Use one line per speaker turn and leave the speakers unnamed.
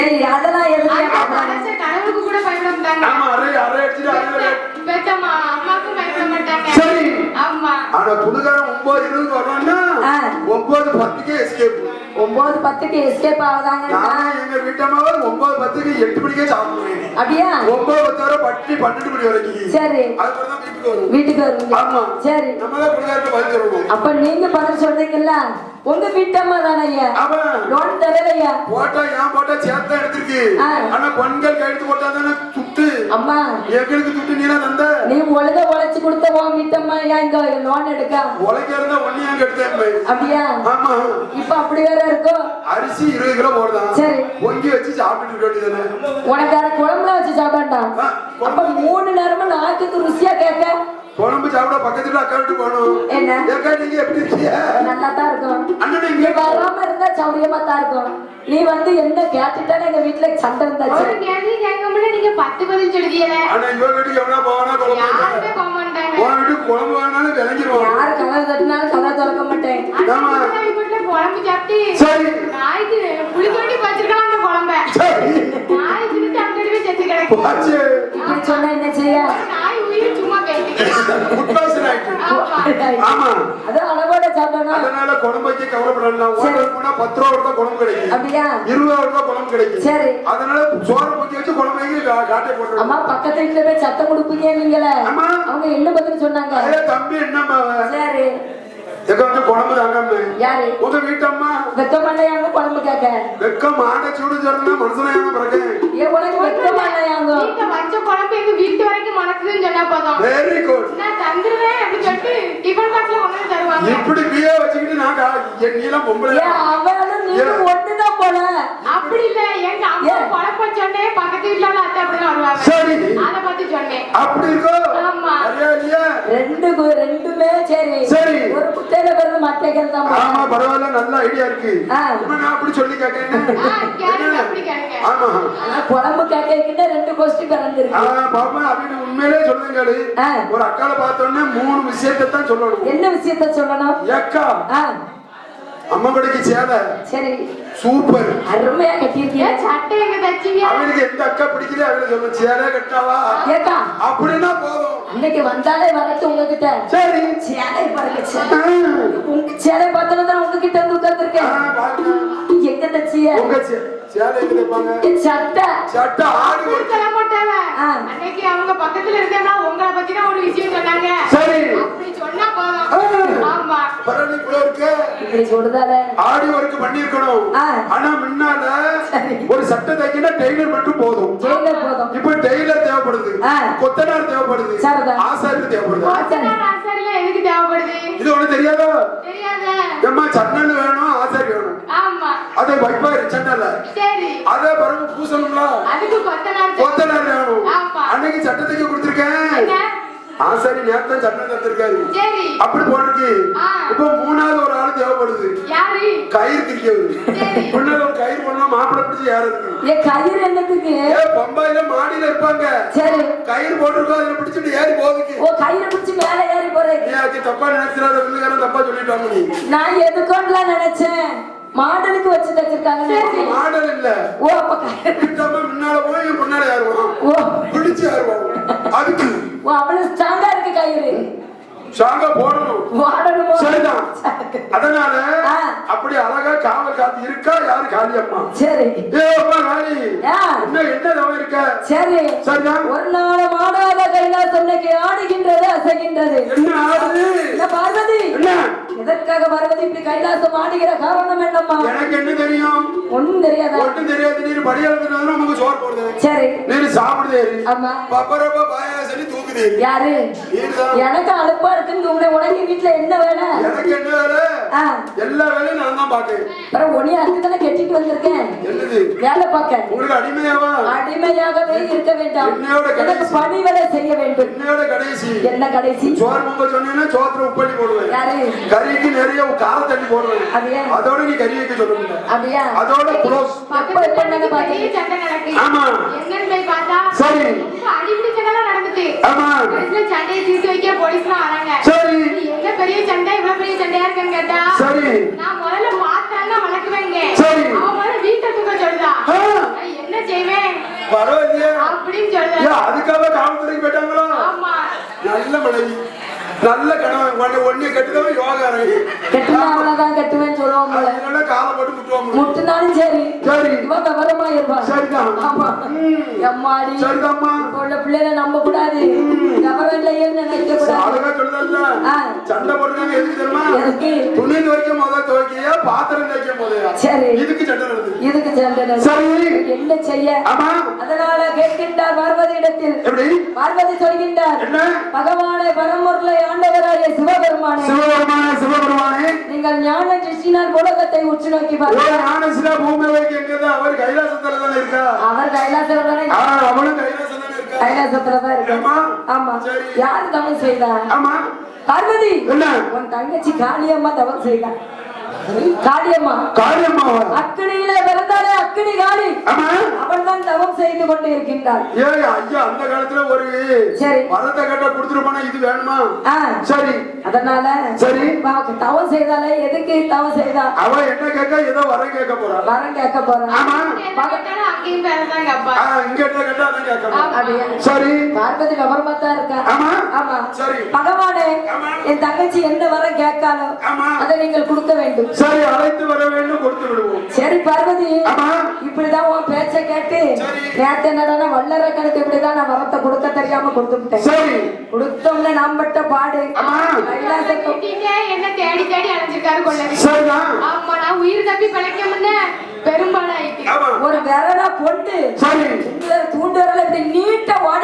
அதெல்லாம்
கனவுக்கு கூட பயப்பட மாட்டாங்க.
ஆமா அரை அரை அடிச்சுட்டு அரை
பெத்தம்மா அம்மாக்கும் பயப்பட மாட்டாங்க.
சரி
ஆமா
ஆனா புதுகாரம் 9:20 வரணும்னா 9:10க்கே எஸ்கேப்.
9:10க்கு எஸ்கேப் ஆகுதாங்க.
நான் எங்க வீட்டம்மாவை 9:10க்கு 8 மணிக்கே சாப்பிடுவேன்.
அப்படியா?
9:10 வரை பட்டி 12 மணி வரைக்கும்.
சரி.
அதுக்கப்புறம் தான்
வீட்டுக்கு வருவீங்க.
ஆமா
சரி.
நம்ம தான் புதுகாரத்தை பதில் சொல்லணும்.
அப்ப நீங்க பதில் சொல்றீங்கல்ல, உங்க வீட்டம்மா தானே ஐயா?
ஆமா.
லோன் தரலையா?
போட்டா ஏன் போட்டா சேர்த்தா எடுத்துருக்கு. ஆனா பெண்கள் கையெழுத்து போட்டா தானே துட்டு.
அம்மா
எங்களுக்கு துட்டு நீனா தந்த.
நீ ஒழுங்கா உழைச்சு கொடுத்த உன் வீட்டம்மா ஏன் இங்க லோன் எடுக்க?
உழைக்க இருந்தா ஒன்னியா கெடுத்தேன்.
அப்படியா?
ஆமா.
இப்ப அப்படி வேற இருக்கும்.
அரிசி 20 கிலோ போடுதான்.
சரி.
பொங்கி வச்சு சாப்பிட்டு வேண்டியதானே.
உனக்கு வேற குழம்புல வச்சு சாப்பிட்டான்டா. அப்ப 3 நேரமும் நாக்குக்கு ருசியா கேட்க.
குழம்பு சாப்பிட பக்கத்துல அக்கா வீட்டு போகணும்.
என்ன
ஏக்கா நீங்க எப்படி இருக்கீங்க?
நல்லா தான் இருக்கும்.
அண்ணன்
நீ வராம இருந்தா சௌரியமா தான் இருக்கும். நீ வந்து என்ன கேட்டுட்டானே எங்க வீட்டுல சண்டை இருந்தாச்சு.
ஒரு கேள்வி கேட்கமுடிய நீங்க 10 பதில் சொல்லியல.
ஆனா இவங்க வீட்டுக்கு எவனா போவானா குழம்பு.
யாருமே போக மாட்டாங்க.
உன் வீட்டுக்கு குழம்பு வேணாலும் விளங்கிடுவான்.
யாரு கதை தட்டினாலும் கதை திறக்க மாட்டேன்.
ஆமா.
வீட்டுல குழம்பு சாப்பிட்டு
சரி.
நாய்க்கு புளி தோண்டி வச்சிருக்கலாம் அந்த குழம்ப.
சரி.
நாய் திட்டு அங்கடிவே செத்து கிடக்கு.
ஆச்சு.
இப்படி சொன்னா என்ன செய்ய?
நாய் உயிர் சும்மா பேசிட்டு.
குட்பாசன் ஆயிட்டு. ஆமா.
அது அளவோட சாப்பிடணும்.
அதனால குழம்பு வைக்க கவலைப்படலாம். ஹோட்டல் போனா 10 ரூபா தான் குழம்பு கிடைக்கும்.
அப்படியா?
20 ரூபா குழம்பு கிடைக்கும்.
சரி.
அதனால சோறு ஊத்தி வச்சு குழம்பு வைக்க காட்டே போட்டுருவோம்.
அம்மா பக்கத்து வீட்டுல போய் சத்தம் கொடுப்பீங்க நீங்களே.
ஆமா.
அவங்க என்ன பதில் சொன்னாங்க?
தம்பி என்னம்மா?
சரி.
எங்க வந்து குழம்பு தாங்க.
யாரு?
உங்க வீட்டம்மா.
வெக்கமாலையாங்க குழம்பு கேட்க.
வெக்கம் ஆட சூடு சொன்னா மனுஷனாயான பிறகு.
ஏன் உனக்கு வெக்கமாலையாங்க?
வீட்டை வச்ச குழம்பு எங்க வீட்டு வரைக்கும் மணக்குதுன்னு சொன்னா போதும்.
Very good.
நான் தந்துருவேன் அப்படி சொல்லிட்டு டிஃபன் பாக்ஸ்ல கொண்டு தருவாங்க.
இப்படி பியே வச்சுக்கிட்டு நான் நீலாம் பொம்பளை.
ஏன் அவளும் நீயும் ஒண்ணுதான் போல.
அப்படி இல்ல எங்க அம்மா குழப்ப சொன்னேன் பக்கத்து வீட்டுல உள்ள அத்தை அப்படிதான் வருவாங்க.
சரி.
அத பத்தி சொன்னேன்.
அப்படி இருக்கோ?
ஆமா.
சரியா?
ரெண்டுமே சரி.
சரி.
ஒரு குட்டையில பிறந்த மட்டைகள் தான்.
ஆமா பரவாயில்ல நல்ல ஐடியா இருக்கு. நான் அப்படி சொல்லி கேட்கறேன்.
கேளுங்க அப்படி கேளுங்க.
ஆமா.
குழம்பு கேட்கிட்ட 2 கொஸ்டின் பிறந்திருக்கு.
பாப்பா அப்படின்னு உண்மையிலே சொல்லுங்க. ஒரு அக்கால பார்த்தோன்னே 3 விஷயத்தை தான் சொல்லணும்.
என்ன விஷயத்த சொல்லணும்?
அக்கா அம்மா கடைக்கு சேலை.
சரி.
சூப்பர்.
அருமையா கட்டியிருக்கீங்க.
சட்டை எங்க தச்சிங்க?
அவனுக்கு எந்த அக்கா பிடிக்கல அவளை சொல்ல சேலை கட்டாவா
ஏக்கா
அப்படின்னா போதும்.
இன்னைக்கு வந்தாலே வரட்டு உங்ககிட்ட.
சரி.
சேலை பாருங்க. உங்க சேலை பார்த்தா தான் உங்ககிட்ட வந்து உட்கார்ந்துருக்கேன். எங்க தச்சிய?
உங்க சேலை எங்க தைப்பாங்க?
சட்டை.
சட்டை ஆடி ஒரு
சொல்ல மாட்டாங்க. அன்னைக்கு அவங்க பக்கத்துல இருந்தேன்னா உங்களை பத்தி தான் ஒரு விஷயம் சொன்னாங்க.
சரி.
அப்படி சொன்னா போதும். ஆமா.
பரவாயில்லை இவ்வளோ இருக்கு.
இப்படி சொல்றதால
ஆடி ஒர்க் பண்ணிருக்கணும். ஆனா முன்னால ஒரு சட்டை தைக்கணும் டெய்லர் மட்டும் போதும்.
டெய்லர் போதும்.
இப்ப டெய்லர் தேவைப்படுது. கொத்தனார் தேவைப்படுது. ஆசாரி தேவைப்படுது.
கொத்தனார் ஆசாரில எதுக்கு தேவைப்படுது?
இது ஒண்ணு தெரியாதோ?
தெரியாதே.
ஏம்மா சன்னல் வேணும் ஆசாரி வேணும்.
ஆமா.
அதை வைப்பாரு சன்னல்ல.
சரி.
அத பிறகு பூசணும்ல.
அதுக்கு கொத்தனார்
வேணும்.
ஆமா.
அன்னைக்கு சட்டத்துக்கு கொடுத்திருக்கேன். ஆசாரி நேரத்தை சட்டம் தந்திருக்காரு.
சரி.
அப்படி போட்டிருக்கு. இப்ப 3வது ஒரு ஆள் தேவைப்படுது.
யாரு?
கயிறு திரிக்கவர்.
சரி.
முன்னால ஒரு கயிறு பண்ணா மாப்பிள்ளை பிடிச்சி ஏறதுக்கு.
கயிறு என்னத்துக்கு?
பம்பாயில மாடியில இருப்பாங்க.
சரி.
கயிறு போட்டிருக்கோம் அதுல பிடிச்சிட்டு ஏறி போகுதுக்கு.
கயிறு பிடிச்சி மேல ஏறி போறேன்.
நீ தப்பா நினைச்சிடாத வில்லுகாரன் தப்பா சொல்லிட்டாங்க நீ.
நான் எதுக்கோன்னு நினைச்சேன். மாடலுக்கு வச்சு தச்சிருக்காங்க.
மாடல் இல்ல.
அப்ப கயிறு
முன்னால போய் பின்னால ஏறுவான். பிடிச்சு ஏறுவான். அதுக்கு
அவ்வளவு ஸ்ட்ராங்கா இருக்கு கயிறு.
ஸ்ட்ராங்கா போடணும். சரிதான். அதனால அப்படி அழகா காவல் காத்து இருக்கா யாரு காளி அம்மா.
சரி.
அம்மா காளி என்ன தவம் இருக்க?
சரி.
சரிதான்.
ஒரு நாள் மாடாத கைலாசம் இன்னைக்கு ஆடுகின்றது அசைகின்றது.
என்ன ஆடுது?
பார்வதி
என்ன
எதற்காக பார்வதி இப்படி கைலாசம் ஆடுகிற காரணம் என்னம்மா?
எனக்கு என்ன தெரியும்?
ஒண்ணும் தெரியாதா?
ஒண்ணும் தெரியாது. நீர் படியாளத்துல நமக்கு சோறு போடுது.
சரி.
நீர் சாப்பிடுதே.
ஆமா.
பப்பரப்ப பாயாசனி தூக்குதே.
யாரு? எனக்கு அலுப்பா இருக்குன்னு உடனே வீட்டுல என்ன வேலை? எனக்கு
என்ன வேலை? எல்லா வேலையும் நான் தான் பாக்கேன்.
அப்புறம் ஒண்ணி அதுக்குதானே கெட்டிட்டு வந்திருக்கேன்.
என்னது?
வேலை பார்க்க.
உங்களுக்கு அடிமையாவா? அடிமையாகவே
இருக்க வேண்டாம். எனக்கு பணி வேலை செய்ய வேண்டும்.
என்னோட கடைசி.
என்ன கடைசி?
சோறு பொங்க சொன்னீங்கன்னா சோத்துல உப்பள்ளி போடுவேன்.
யாரு?
கறிக்கு நிறைய கார தண்ணி போடுவேன். அதோட நீ கறி வைக்க சொல்லுங்க.
அப்படியா?
அதோட க்ளோஸ்.
எப்ப என்னங்க பாத்தீங்க? சண்டை நடக்குது.
ஆமா.
என்னன்னு போய் பார்த்தா
சரி.
அடிப்படை சண்டை நடக்குது.
ஆமா.
இதுல சண்டையை தீர்த்து வைக்க போலீஸ்லாம் வராங்க.
சரி.
என்ன பெரிய சண்டை இவ்வளவு பெரிய சண்டையா இருக்குன்னு கேட்டா சரி நான் முதல்ல பார்த்தாலும் வளர்க்குவேங்க. சரி. அவன் முதல்ல வீட்டை தூக்க சொல்றா.
பரவாயில்லையே
அப்படின்னு சொல்ல
ஏன் அதுக்காக காவல்துறைக்கு போயிட்டாங்களா
ஆமா
நல்ல மனைவி நல்ல கணவன் ஒன்னே கட்டுதவன் யோகாரன்
கெட்டுனா அவ்வளவுதான் கட்டுவேன்னு சொல்லுவோம் போல.
அதனால காலை போட்டு முட்டுவாங்க
முட்டுனாலும் சரி
சரி
இவன் விவரமா இருப்பான்.
சரிதான்
ஆமா. எம்மாடி
சரிதாம்மா
இப்ப உள்ள பிள்ளைகளை நம்ப கூடாது. விவரம் இல்லையேன்னு நினைக்க கூடாது.
அழகா சொல்லுதல்ல
ஆ,
சண்டை போட்டுக்காங்க எதுக்கு தெரியுமா
எதுக்கு?
துணி துவைக்கும் போத துவைக்கையா பாத்திரம் துவைக்கும் போதையா
சரி
இதுக்கு சண்டை நடக்குது
இதுக்கு சண்டை.
சரி
என்ன செய்ய?
ஆமா
அதனால கேட்கின்றார் பார்வதி இடத்தில்.
எப்படி
பார்வதி சொல்கின்றார்,
என்ன
பகவானை பரம்பொருளை ஆண்டவராகிய சிவபெருமானே,
சிவபெருமானே
நீங்கள் ஞான திருஷ்டினால் உலகத்தை உற்று நோக்கி
ஒரு
பாருங்கள்.
ஞானசிலா பூமி வைக்கிறது அவர் கைலாசத்துல தானே இருக்கா
அவர் கைலாசத்துல தானே
அவளும் கைலாசம் தானே இருக்கா
கைலாசத்துலதான் இருக்கு.
ஆமா
ஆமா.
சரி.
யாரு தவம் செய்தா?
ஆமா
பார்வதி,
என்ன
உன் தங்கச்சி காளியம்மா தவம் செய்தா. காளியம்மா
காரியம்மாவா
அக்கினியில பிறந்தாலே அக்கினி காளி,
ஆமா
அவள் தான் தவம் செய்து கொண்டு இருக்கின்றாள்.
ஏய் ஐயா அந்த காலத்துல ஒரு
சரி.
வரத்தை கேட்டா கொடுத்துருப்பானா இது வேணுமா
ஆ,
சரி
அதனால
சரி
அவ தவம் செய்தாலே எதுக்கு தவம் செய்தா?
அவ என்ன கேட்க ஏதோ வரம் கேட்க போறா
வரம் கேட்க போறான்.
ஆமா
என்ன கேட்டாலும் அங்கேயும் பேரதான் கேப்பா
இங்க என்ன கேட்டா அதான் கேட்க
அப்படியா?
சரி
பார்வதி விவரமா தான் இருக்கா.
ஆமா
ஆமா.
சரி
பகவானே,
ஆமா.
என் தங்கச்சி என்ன வரம் கேட்காலோ
ஆமா
அதை நீங்கள் கொடுக்க வேண்டும்.
சரி அழைத்து வர வேண்டும் கொடுத்து விடுவோம்
சரி பார்வதி,
ஆமா
இப்படிதான் உன் பேச்ச கேட்டு
சரி.
நேத்து என்னடா வல்லற கணக்கு இப்படிதான் நான் வரத்தை கொடுக்க தெரியாம கொடுத்துட்டேன்.
சரி
கொடுத்தோம்ல நாம் பட்ட பாடு.
ஆமா.
கைலாசத்துக்கு
கூட்டிங்க என்ன தேடி தேடி அலைஞ்சிருக்காரு கொள்ளவி
சரிதான்
ஆமா நான் உயிர் தப்பி பிழைக்க முன்ன பெரும்பாலாயிட்டு
ஆமா
ஒரு விரலா பொண்டு
சரி
தூண்டு விரல இப்படி நீட்ட ஓடி